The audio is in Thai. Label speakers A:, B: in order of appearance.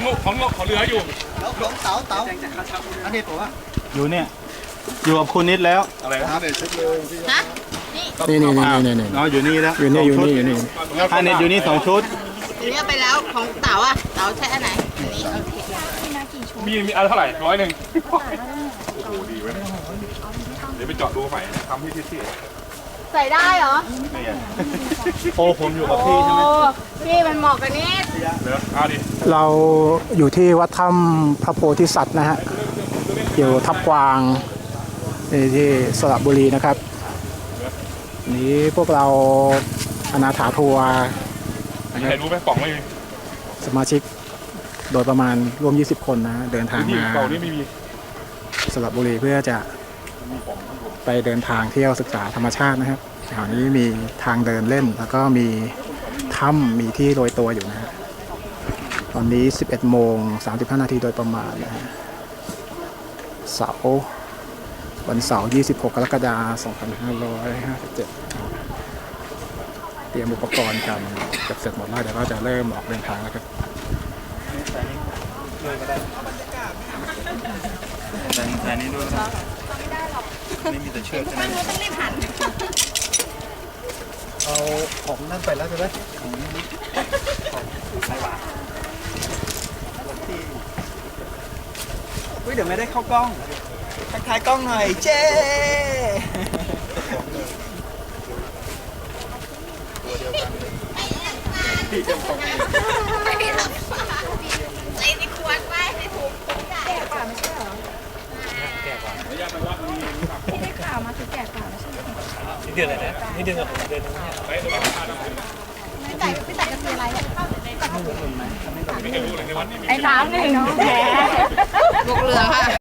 A: ของเหลืออยู่
B: แล้วของเต๋าอันนี้ผมว่า
C: อยู่เนี่ยอยู่กับคุณนิดแล้ว
A: อะไรนะเด็ดชุดเลย
D: ฮะ
C: นี่อ๋ออยู่นี่แล้วอยู่นี่อันนี้อยู่นี่2 ชุด
D: อันนี้ไปแล้วของเต๋าอ่ะเต๋าใช้อันไหนอันนี้
A: มีอันเท่าไหร่100โอ้โหดีเว้ยเดี๋ยวไปเจาะดูใหม่ทำที่
D: ใส่ได้เหรอ
C: โอ้ผมอยู่กับพี่ใช่ไหม
D: พี่มันเหมาะกับนี่
A: เหลือเอาดิ
E: เราอยู่ที่วัดถ้ำพระโพธิสัตว์นะฮะอยู่ทับกวางที่สระบุรีนะครับนี้พวกเราอนาถาทัวร์
A: ใครรู้ไหมกล่องไม่มี
E: สมาชิกโดยประมาณรวม20 คนนะเดินทางมาสระบุรีเพื่อจะไปเดินทางเที่ยวศึกษาธรรมชาตินะครับแถวนี้มีทางเดินเล่นแล้วก็มีถ้ำมีที่โรยตัวอยู่นะฮะตอนนี้11:35 นาทีโดยประมาณนะฮะวันเสาร์26 กรกฎาคม 2557เตรียมอุปกรณ์กันเสร็จหมดแล้วเดี๋ยวก็จะเริ่มออกเดินทางแล้วครับ
C: แต่นี้ด้วยไม่มีแต่เชือกใช่ไหม
D: ต้องรีบหัน
B: เอาของนั่นไปแล้วใช่ไหม
F: เดี๋ยวไม่ได้เข้ากล้องทักทายกล้องหน่อยเจ้
D: ไม่ได้หลับใส่ในขวดไปในถุงแก่กว่าไม่ใช่เหรอแก่กว่าไม่ได้ข่าวมาคือแก่กว่าไม่ใช่เหรอนี่เดือนอะไรนะนี่เดือนกับผมเดือนนึงเนี่ยพี่แต่จะซื้ออะไรไอ้น้ำหนึ่งแผลลูกเรือค่ะ